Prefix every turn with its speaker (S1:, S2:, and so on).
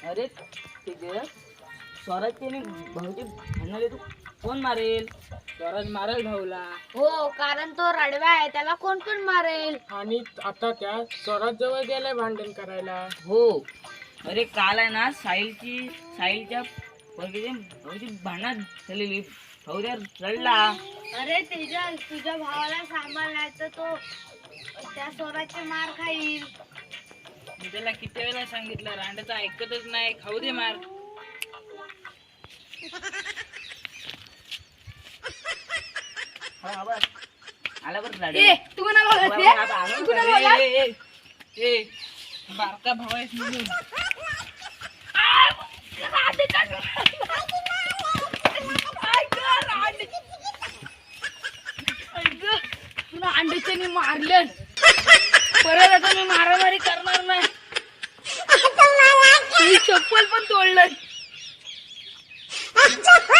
S1: अरे तिथे स्वराजने भाऊची भांडणाले तू कोण मारेल?
S2: स्वराज मारेल भाऊला.
S3: हो, कारण तो रडवा आहे, त्याला कोण पण मारेल.
S2: आणि आता त्या स्वराज जवळ गेलाय भांडण करायला.
S1: हो. अरे काल आहे ना साहिलच्या भाऊची भांडण झालेली. भाऊ त्या रडला.
S3: अरे तुझ्या भावाला सांभाळायचं, तो त्या स्वराचे मार खाईल.
S1: मी त्याला किती वेळा सांगितलं, रांडाचं ऐकतच नाही. खाऊ दे मार. आला बरं
S3: ए, तू कोणाला बोलत आहे? तू कोणाला बोलत?
S1: बारका भाऊ आहेस म्हणून.
S3: तुला अंड्याचे मी मारलं, परत आता मी मारामारी करणार नाही. तुझी चप्पल पण तोडलं.